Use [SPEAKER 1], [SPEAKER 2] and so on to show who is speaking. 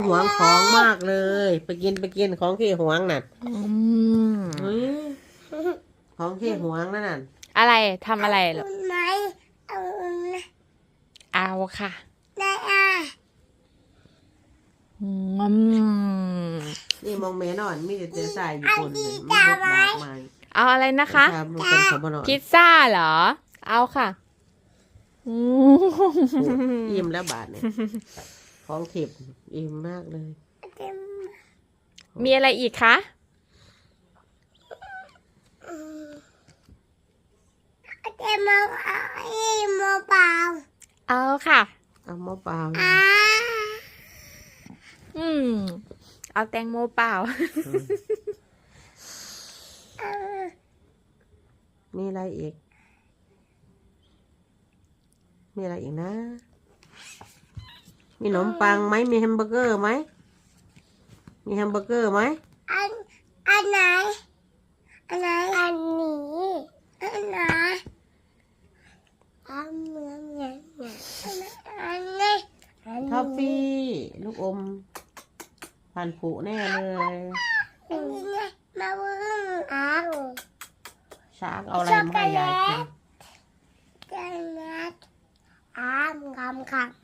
[SPEAKER 1] หวงของมากเลย ไปกินของที่หวงน่ะของที่หวงนั่นน่ะ
[SPEAKER 2] อะไรทำอะไรหรอ
[SPEAKER 3] ไหมเอานะ
[SPEAKER 2] เอาค่ะ
[SPEAKER 3] ได้
[SPEAKER 1] นี่มองเมนอ่อนมีแต่เสื้อใส่ญี่ปุ่นเลยมีบทบาทใหม่
[SPEAKER 2] เอาอะไรนะคะ
[SPEAKER 1] มันเป็นขบวน
[SPEAKER 2] พิซซ่าเหรอ เอาค่ะ
[SPEAKER 1] อิ่มแล้วบาทเนี่ยของถิบอิ่มมากเลย
[SPEAKER 2] มีอะไรอีกคะ
[SPEAKER 3] เต็มมาโมเปล่า
[SPEAKER 2] เอาค่ะ
[SPEAKER 1] เอามะเปล่า
[SPEAKER 2] เอาแตงโมเปล่า
[SPEAKER 1] มีอะไรอีก มีอะไรอีกนะ มีขนมปังไหมมีแฮมเบอร์เกอร์ไหมมีแฮมเบอร์เกอร์ไหม
[SPEAKER 3] อันไหนอันนี้อันไหนอันเหมือนอย่างอันนี้
[SPEAKER 1] ท็อฟฟี่ลูกอมผ่านผุแน่เลย
[SPEAKER 3] อันนี้ไงมาวุ้งอ้าว
[SPEAKER 1] ช้างเอาอะไรมาให้ยายกิน
[SPEAKER 3] จังนัดอ้ามคำ